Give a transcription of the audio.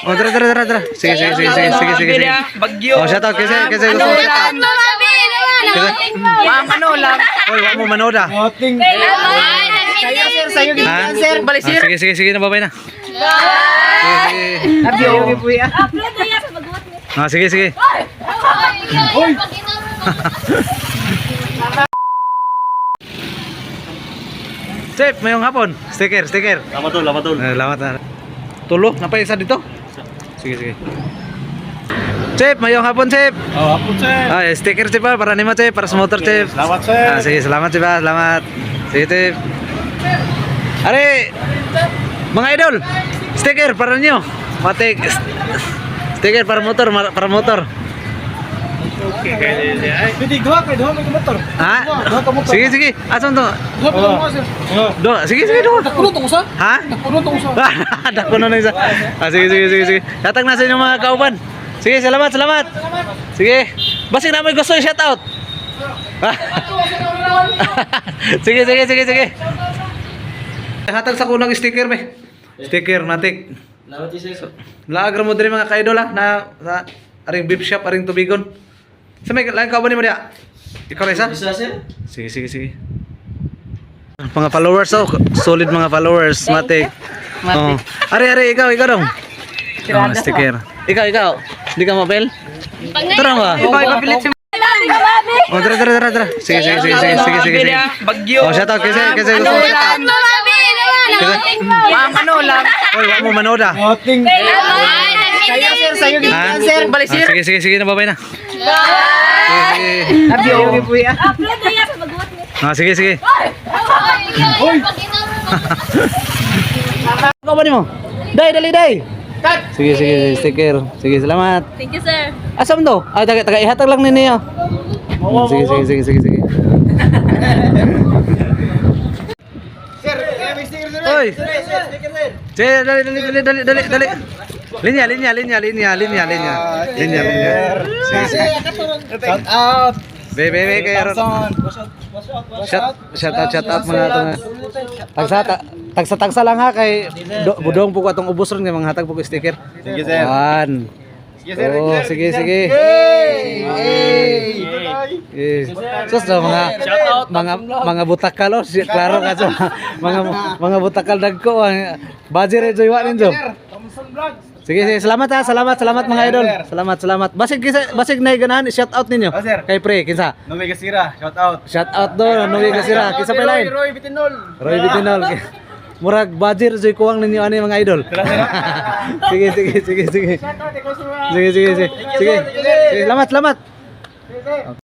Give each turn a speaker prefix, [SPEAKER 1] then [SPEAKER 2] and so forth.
[SPEAKER 1] Oh, tara. Sige.
[SPEAKER 2] Bagyo.
[SPEAKER 1] Oh, shout out kasi gusto mo shout out.
[SPEAKER 2] Manola.
[SPEAKER 1] Oy, wa mo manood ah.
[SPEAKER 2] Sa'yo
[SPEAKER 1] Ha?
[SPEAKER 2] sir. Balik sir.
[SPEAKER 1] Sige, nababay na.
[SPEAKER 2] Abyo.
[SPEAKER 1] Ah, sige. Chef, mayong hapon. Sticker.
[SPEAKER 3] Lama tol.
[SPEAKER 1] Salamat na. Tulo, napaysa dito. Sige. Chef, mayong hapon, Chef.
[SPEAKER 3] Oh, hapon sir.
[SPEAKER 1] Ah, sticker, Chef, para nimo, Chef, para sa motor, Chef.
[SPEAKER 3] Salamat sir.
[SPEAKER 1] Ah, sige, salamat, Chef. Salamat. Sige, Chef. Are, mga idol, sticker para ninyo. Matik. Sticker para motor.
[SPEAKER 3] Okay, kaya pwede dua may motor.
[SPEAKER 1] Ha? Sige. Asan to? Sige.
[SPEAKER 3] Puno tong usa.
[SPEAKER 1] Ha?
[SPEAKER 3] Puno tong usa.
[SPEAKER 1] Dako na isa. Ah, sige. Tatag na sa inyo mga kauban. Sige, salamat. Sige. Basig na may gusto i-shout out. Sige. Hatag sa kunang sticker be. Sticker matik. Laag ra mo diri mga ka-idol ha na sa aring beef shop aring tubigon. Sa may lang kauban nimo dia. Ikaw Reza? Sige. Mga followers solid mga followers matik. Oh. Are ikaw dong. Oh, sticker. Ikaw. Hindi ka mabel? Tara ba?
[SPEAKER 2] Ipapilit si
[SPEAKER 1] Oh, tara. Sige.
[SPEAKER 2] Bagyo.
[SPEAKER 1] Oh, shout out kasi gusto mo shout out.
[SPEAKER 2] Manola.
[SPEAKER 1] Oy, wa mo manood ah.
[SPEAKER 3] Moting.
[SPEAKER 2] Sa'yo
[SPEAKER 1] Ha?
[SPEAKER 2] sir. Balik sir.
[SPEAKER 1] Sige, nababay na.
[SPEAKER 2] Abyo.
[SPEAKER 1] Ah, sige. Ako ba mo? Dali. Sige, sticker. Sige, salamat.
[SPEAKER 4] Thank you, sir.
[SPEAKER 1] Asam to? Ah, taga ihatag lang ninyo. Sige.
[SPEAKER 3] Sir, may sticker sir.
[SPEAKER 1] Oy.
[SPEAKER 3] Sticker sir.
[SPEAKER 1] Sige, dali. Linya. Sige.
[SPEAKER 3] Shout out.
[SPEAKER 1] Bebe kayo. Shout out mga tagsa lang ha kay budong po ko atong ubos ron nga mga hatag po ko sticker.
[SPEAKER 3] Sige sir.
[SPEAKER 1] Yan. Oh, sige. Sus daw mga butakal oh, klaro ka so. Mga butakal dagko budget joy wa ninyo. Sige, salamat ha. Salamat mga idol. Salamat. Basig na ganahan shout out ninyo. Kay pre, kinsa?
[SPEAKER 3] Nomi Gasira, shout out.
[SPEAKER 1] Shout out do, Noe Gasira. Kinsa pa lain?
[SPEAKER 3] Roy Bitinol.
[SPEAKER 1] Roy Bitinol. Murag budget joy kuwang ninyo ani mga idol. Sige. Sige. Salamat.